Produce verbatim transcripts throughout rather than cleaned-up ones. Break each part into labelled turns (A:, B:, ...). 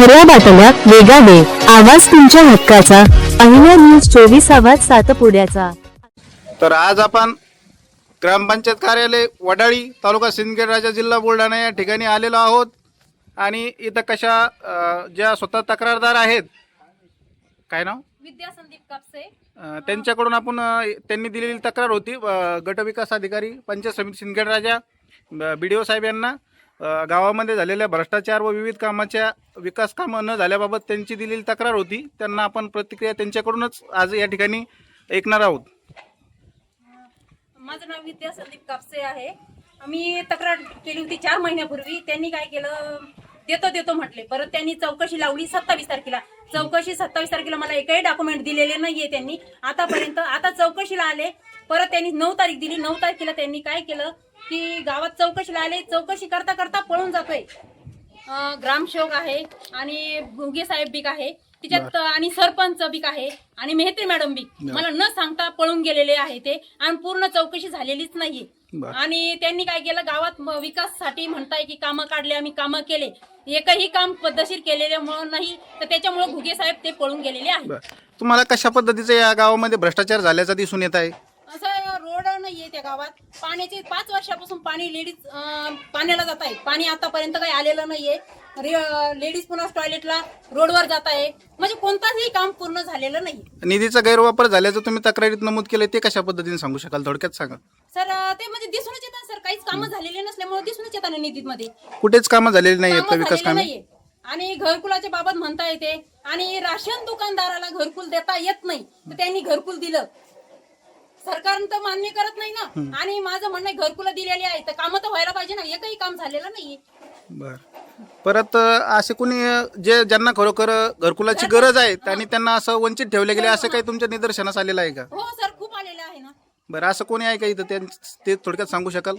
A: खऱ्या बातम्या वेगाने, आवाज तुमच्या हक्काचा. अहिल्या न्यूज चोवीस, आवाज सातपुड्याचा.
B: तर आज आपण ग्रामपंचायत कार्यालय वडाळी, तालुका सिंदखेड राजा, जिल्हा बुलढाणा या ठिकाणी आलेलो आहोत. आणि इथं कशा अ, ज्या स्वतः तक्रारदार आहेत, काय नाव,
C: विद्या संदीप कापसे,
B: अ, त्यांच्याकडून आपण अ, त्यांनी दिलेली तक्रार होती अ, गटविकास अधिकारी पंचायत समिती सिंदखेड राजा बी डी ओ साहेब यांना अ, गावामध्ये झालेल्या भ्रष्टाचार व विविध कामाच्या विकास कामं न झाल्याबाबत त्यांची दिलेली तक्रार होती. त्यांना आपण प्रतिक्रिया त्यांच्याकडूनच आज या ठिकाणी ऐकणार आहोत.
C: माझं नाव विद्या संदीप कापसे आहे. मी तक्रार केली होती चार महिन्यापूर्वी. त्यांनी काय केलं, देतो देतो म्हटले. परत त्यांनी चौकशी लावली सत्तावीस तारखेला. चौकशी सत्तावीस तारखेला मला एकही डॉक्युमेंट दिलेले नाहीये त्यांनी आतापर्यंत. आता चौकशीला आले, परत त्यांनी नऊ तारीख दिली. नऊ तारखेला त्यांनी काय केलं की गावात चौकशीला आले, चौकशी करता करता पळून जातोय. ग्रामसेवक आहे आणि भुगे साहेब बीक आहे तिच्यात, आणि सरपंच बीक आहे आणि मेहत्री मॅडम बी. मला न सांगता पळून गेलेले आहे ते, आणि पूर्ण चौकशी झालेलीच नाहीये. आणि त्यांनी काय केलं, गावात विकाससाठी म्हणताय की कामं काढले, आम्ही कामं केले, एकही काम पद्धतशीर केलेल्यामुळे नाही, तर त्याच्यामुळे घुगे साहेब ते पळून गेलेले आहेत.
B: तुम्हाला कशा पद्धतीचं या गावामध्ये भ्रष्टाचार झाल्याचा दिसून येत आहे?
C: असं रोड नाहीये त्या गावात. पाण्याचे पाच वर्षापासून पाणी लेडीज पाण्याला जात आहे. पाणी आतापर्यंत काही आलेलं नाहीये. लेडीज पुन्हा टॉयलेटला रोडवर जात आहे. म्हणजे कोणताही काम पूर्ण झालेलं नाही.
B: निधीचा गैरवापर झाल्याचं तुम्ही तक्रारीत नमूद केलं, ते कशा पद्धतीने सांगू शकाल, थोडक्यात सांगा.
C: सर ते म्हणजे दिसूनच येतात सर, काहीच कामं झालेले नसल्यामुळे दिसूनच येतात निधीमध्ये.
B: कुठेच कामं झालेली नाही आहेत विकास कामे?
C: आणि घरकुलाच्या बाबत म्हणता येते, आणि राशन दुकानदाराला घरकुल देता येत नाही, तर त्यांनी घरकुल दिलं. सरकार तर मान्य करत नाही ना. आणि माझं म्हणणं घरकुला दिलेली आहे, तर कामं तर व्हायला पाहिजे ना. एकही काम झालेलं नाहीये.
B: बर, परत असे कोणी जे ज्यांना खरोखर घरकुलाची गरज आहे आणि त्यांना असं वंचित ठेवले गेले, असं काही तुमच्या निदर्शनास आलेलं आहे का?
C: हो सर, खूप आलेलं आहे ना.
B: बरं, असं कोणी आहे का इथं, ते थोडक्यात सांगू शकाल?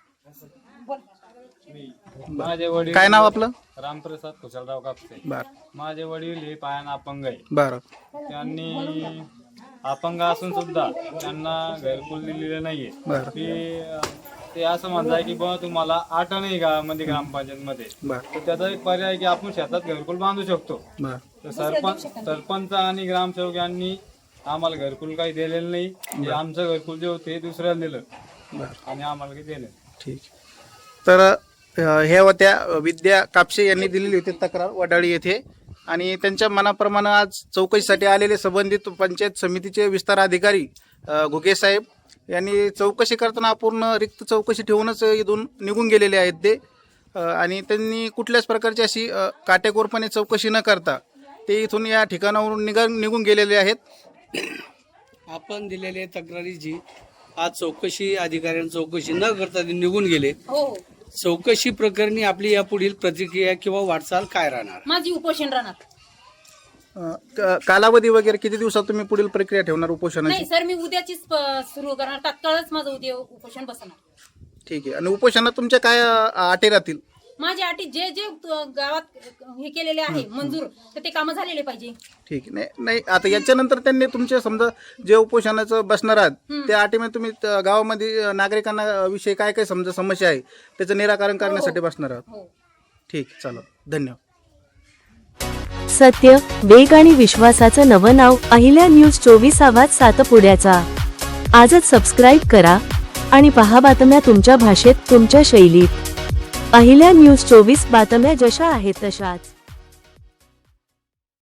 D: माझे वडील,
B: काय नाव आपलं?
D: रामप्रसाद कुशलराव कापसे.
B: बर.
D: माझे वडील हे पायानं अपंग आहे.
B: बरं.
D: त्यांनी अपंग असून सुद्धा त्यांना घरकुल दिलेलं नाहीये.
B: बरं.
D: ते ते असं म्हणताय की बा तुम्हाला आठ नाही गावामध्ये ग्रामपंचायत मध्ये, तर त्याचा एक पर्याय की आपण शेतात घरकुल बांधू शकतो. तर सरपंच सरपंच आणि ग्रामसेवक यांनी आम्हाला घरकुल काही दिलेलं नाही. जे आमचं घरकुल जे होते दुसऱ्याला दिलं आणि आम्हाला काही दिलं.
B: ठीक. तर हे होत्या विद्या कापसे यांनी दिलेली होती तक्रार वडाळी येथे, आणि त्यांच्या मनाप्रमाणे आज चौकशीसाठी आलेले संबंधित पंचायत समितीचे विस्तार अधिकारी घुगे साहेब यांनी चौकशी करताना अपूर्ण रिक्त चौकशी ठेवूनच इथून निघून गेलेले आहेत ते. आणि त्यांनी कुठल्याच प्रकारची अशी काटेकोरपणे चौकशी न करता ते इथून या ठिकाणावरून निघा निघून गेलेले आहेत.
E: आपण दिलेल्या तक्रारीची आज चौकशी अधिकाऱ्यांनी चौकशी न करता ते निघून गेले.
C: हो,
E: चौकशी प्रकरणी आपली या पुढील प्रतिक्रिया किंवा वाटचाल काय राहणार?
C: माझी उपोषण राहणार.
B: कालावधी वगैरे किती दिवसात तुम्ही पुढील प्रक्रिया ठेवणार उपोषणाची?
C: नाही सर, मी उद्याचीच सुरू करणार. तात्काळच माझं उद्या उपोषण बसणार.
B: ठीक आहे. आणि उपोषणात तुमच्या काय अटी राहतील?
C: माझ्या अटी जे जे गावात हे केलेले आहे मंजूर, तर ते कामं झालेले पाहिजे.
B: ठीक आहे. नाही नाही आता याच्यानंतर त्यांनी तुमचे समजा जे उपोषणाचं बसणार आहात त्या अटीमध्ये तुम्ही गावामध्ये नागरिकांना विषयी काय काय समजा समस्या आहे त्याचं निराकरण करण्यासाठी बसणार आहात. ठीक, चला, धन्यवाद.
A: सत्य, वेग आणि विश्वासाचं नवं नाव अहिल्या न्यूज चोवीस, आवाज सातपुड्याचा. आजच सबस्क्राईब करा आणि पहा बातम्या तुमच्या भाषेत, तुमच्या शैलीत. अहिल्या न्यूज चोवीस, बातम्या जशा आहेत तशाच.